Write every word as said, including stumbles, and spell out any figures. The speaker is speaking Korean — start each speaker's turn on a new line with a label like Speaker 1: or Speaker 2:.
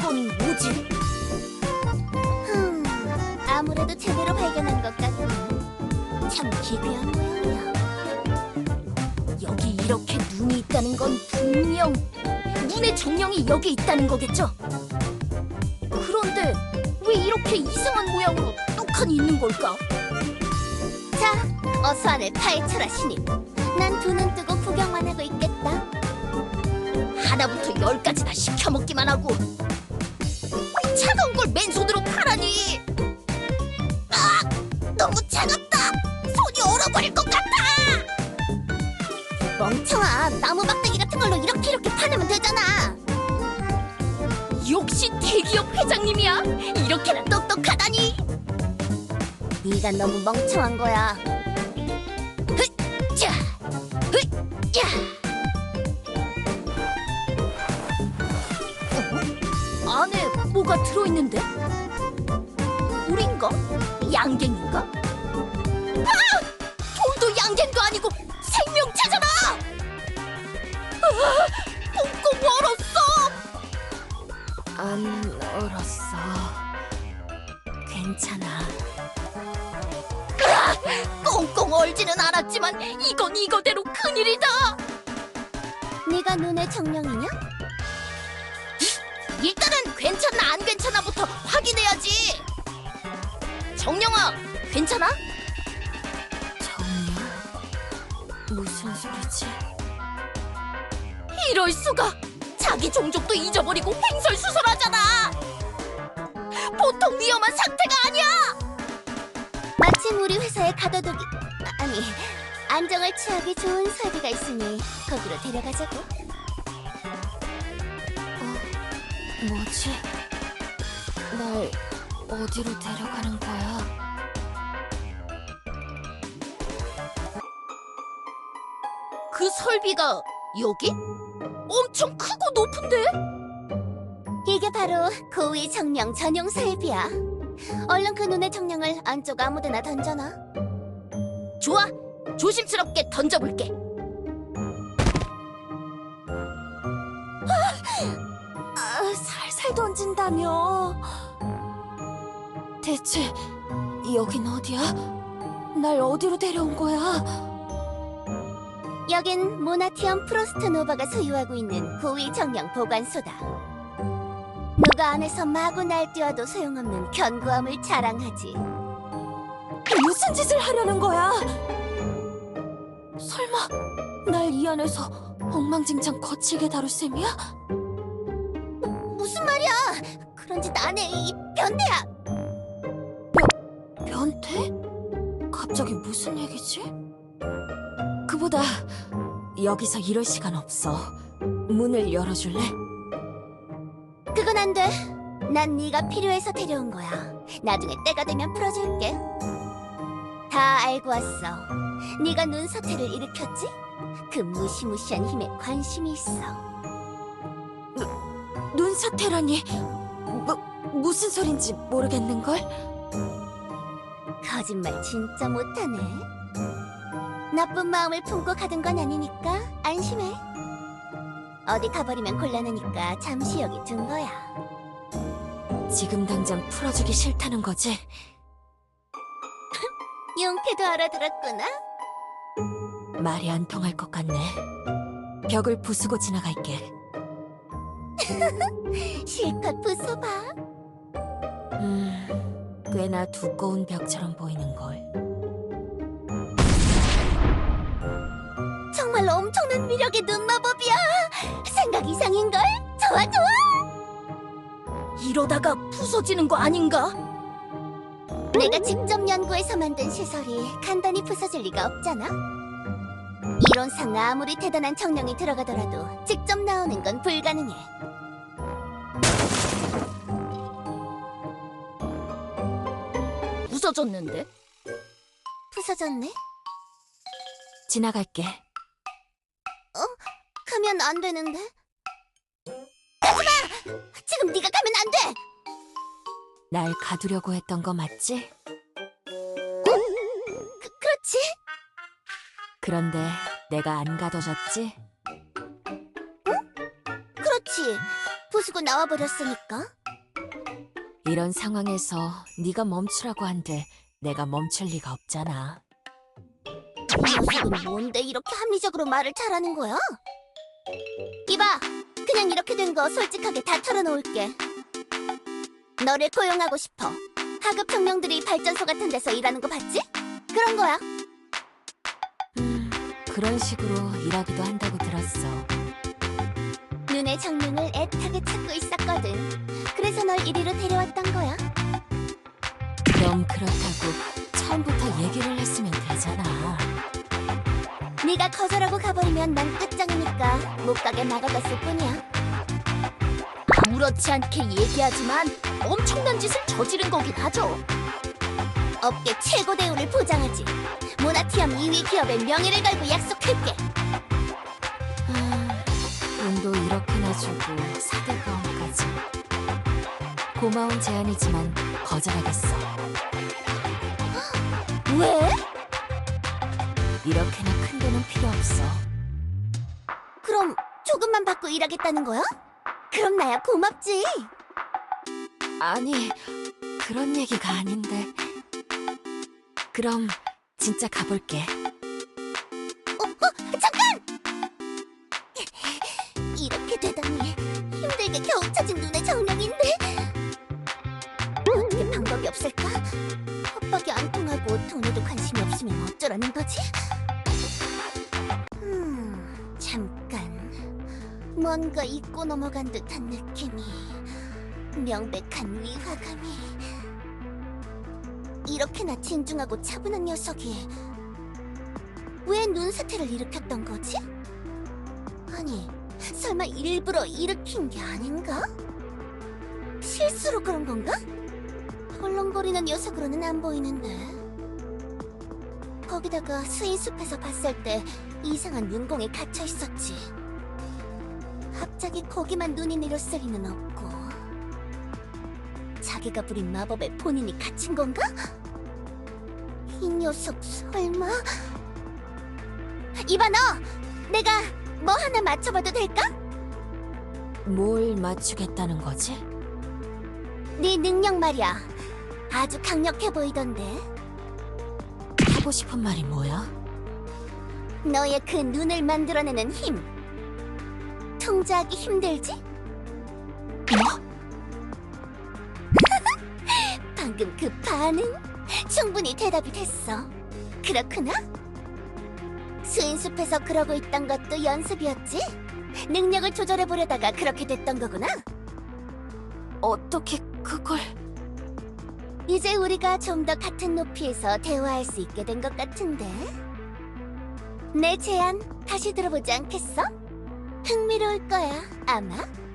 Speaker 1: 이건 뭐지?
Speaker 2: 흠, 아무래도 제대로 발견한 것 같네. 참 기괴한 모양이야.
Speaker 1: 여기 이렇게 눈이 있다는 건 분명 눈의 정령이 여기 있다는 거겠죠? 그런데 왜 이렇게 이상한 모양으로 뚝하니 있는 걸까?
Speaker 2: 자, 어서 안을 파헤쳐라, 신입. 난 두 눈 뜨고 구경만 하고 있겠다.
Speaker 1: 하나부터 열까지 다 시켜먹기만 하고 차가운 걸 맨손으로 파라니! 아! 너무 차갑다! 손이 얼어버릴 것 같아!
Speaker 2: 멍청아, 나무 막대기 같은 걸로 이렇게 이렇게 파내면 되잖아.
Speaker 1: 역시 대기업 회장님이야! 이렇게나 똑똑하다니!
Speaker 2: 네가 너무 멍청한 거야.
Speaker 1: 자, 야! 어? 안에 뭐가 들어있는데? 돌인가? 양갱인가? 아! 돌도 양갱도 아니고 생명체잖아! 아! 꽁꽁 얼었어! 안 얼었어. 괜찮아. 꽁꽁 얼지는 않았지만 이건 이거대로 큰일이다!
Speaker 2: 네가 눈의 정령이냐?
Speaker 1: 일단은 괜찮나 안 괜찮아부터 확인해야지! 정령아, 괜찮아? 정령? 무슨 소리지? 이럴 수가! 자기 종족도 잊어버리고 횡설수설하잖아! 보통 위험한 상태가 아니야!
Speaker 2: 마침 우리 회사에 가둬두기 아니 안정을 취하기 좋은 설비가 있으니 거기로 데려가자고.
Speaker 1: 어, 뭐지? 날 어디로 데려가는 거야? 그 설비가 여기? 엄청 크고 높은데?
Speaker 2: 이게 바로 고위 정령 전용 설비야. 얼른 그 눈의 정령을 안쪽 아무데나 던져놔.
Speaker 1: 좋아! 조심스럽게 던져볼게.
Speaker 2: 아, 살살 던진다며.
Speaker 1: 대체 여긴 어디야? 날 어디로 데려온 거야?
Speaker 2: 여긴 모나티엄 프로스트 노바가 소유하고 있는 고위 정령 보관소다. 누가 안에서 마구 날뛰어도 소용없는 견고함을 자랑하지.
Speaker 1: 무슨 짓을 하려는 거야? 설마 날 이 안에서 엉망진창 거칠게 다룰 셈이야?
Speaker 2: 무슨 말이야? 그런 짓 안 해, 이 변태야!
Speaker 1: 변태? 갑자기 무슨 얘기지? 그보다 여기서 이럴 시간 없어. 문을 열어줄래?
Speaker 2: 그건 안 돼. 난 네가 필요해서 데려온 거야. 나중에 때가 되면 풀어줄게. 다 알고 왔어. 네가 눈 사태를 일으켰지? 그 무시무시한 힘에 관심이 있어.
Speaker 1: 눈사태라니 뭐, 무슨 소린지 모르겠는걸?
Speaker 2: 거짓말 진짜 못하네. 나쁜 마음을 품고 가던 건 아니니까 안심해. 어디 가버리면 곤란하니까 잠시 여기 둔 거야.
Speaker 1: 지금 당장 풀어주기 싫다는 거지?
Speaker 2: 용케도 알아들었구나.
Speaker 1: 말이 안 통할 것 같네. 벽을 부수고 지나갈게.
Speaker 2: 실컷 부숴봐.
Speaker 1: 음, 꽤나 두꺼운 벽처럼 보이는걸.
Speaker 2: 정말 엄청난 위력의 눈마법이야. 생각 이상인걸? 좋아 좋아.
Speaker 1: 이러다가 부서지는 거 아닌가?
Speaker 2: 내가 직접 연구해서 만든 시설이 간단히 부서질 리가 없잖아. 이론상 아무리 대단한 정령이 들어가더라도 직접 나오는 건 불가능해.
Speaker 1: 부서졌는데?
Speaker 2: 부서졌네?
Speaker 1: 지나갈게.
Speaker 2: 가면 안 되는데? 가지마! 지금 네가 가면 안 돼!
Speaker 1: 날 가두려고 했던 거 맞지?
Speaker 2: 그, 그렇지?
Speaker 1: 그런데 내가 안 가둬졌지?
Speaker 2: 그렇지. 부수고 나와버렸으니까.
Speaker 3: 이런 상황에서 네가 멈추라고 한들 내가 멈출 리가 없잖아.
Speaker 2: 이 녀석은 뭔데 이렇게 합리적으로 말을 잘하는 거야? 이봐, 그냥 이렇게 된 거 솔직하게 다 털어놓을게. 너를 고용하고 싶어. 하급 청년들이 발전소 같은 데서 일하는 거 봤지? 그런 거야.
Speaker 3: 음, 그런 식으로 일하기도 한다고 들었어.
Speaker 2: 눈의 정령을 애타게 찾고 있었거든. 그래서 널 이리로 데려왔던 거야.
Speaker 3: 그럼 그렇다고 처음부터 얘기를 했으면 되잖아.
Speaker 2: 네가 거절하고 가버리면 난 끝장이니까 못 가게 막아뒀을 뿐이야.
Speaker 1: 아무렇지 않게 얘기하지만 엄청난 짓을 저지른 거긴 하죠.
Speaker 2: 업계 최고 대우를 보장하지. 모나티엄 이 위 기업의 명예를 걸고 약속할게.
Speaker 3: 아, 돈도 이렇게나 주고 사대보험까지. 고마운 제안이지만 거절하겠어.
Speaker 2: 왜?
Speaker 3: 이렇게나 큰 돈은 필요 없어.
Speaker 2: 그럼 조금만 받고 일하겠다는 거야? 그럼 나야 고맙지.
Speaker 3: 아니, 그런 얘기가 아닌데. 그럼 진짜 가볼게.
Speaker 2: 어, 어, 잠깐! 이렇게 되다니 힘들게 겨우 찾은 눈의 정령인데 어떻게 방법이 없을까? 협박이 안 통하고 돈에도 관심이 없으면 어쩌라는 거지? 음, 잠깐 뭔가 잊고 넘어간 듯한 느낌이, 명백한 위화감이. 이렇게나 진중하고 차분한 녀석이 왜 눈사태를 일으켰던 거지? 아니, 설마 일부러 일으킨 게 아닌가? 실수로 그런 건가? 헐렁거리는 녀석으로는 안 보이는데. 거기다가 수인숲에서 봤을 때 이상한 눈공에 갇혀 있었지. 갑자기 거기만 눈이 내렸을 리는 없고. 자기가 부린 마법에 본인이 갇힌 건가? 이 녀석 설마? 이봐 너! 내가 뭐 하나 맞춰봐도 될까?
Speaker 3: 뭘 맞추겠다는 거지?
Speaker 2: 네 능력 말이야. 아주 강력해 보이던데.
Speaker 3: 하고 싶은 말이 뭐야?
Speaker 2: 너의 그 눈을 만들어내는 힘. 통제하기 힘들지?
Speaker 3: 뭐?
Speaker 2: 방금 그 반응? 충분히 대답이 됐어. 그렇구나? 수인숲에서 그러고 있던 것도 연습이었지? 능력을 조절해보려다가 그렇게 됐던 거구나?
Speaker 3: 어떻게 그걸...
Speaker 2: 이제 우리가 좀 더 같은 높이에서 대화할 수 있게 된 것 같은데? 내 제안 다시 들어보지 않겠어? 흥미로울 거야, 아마.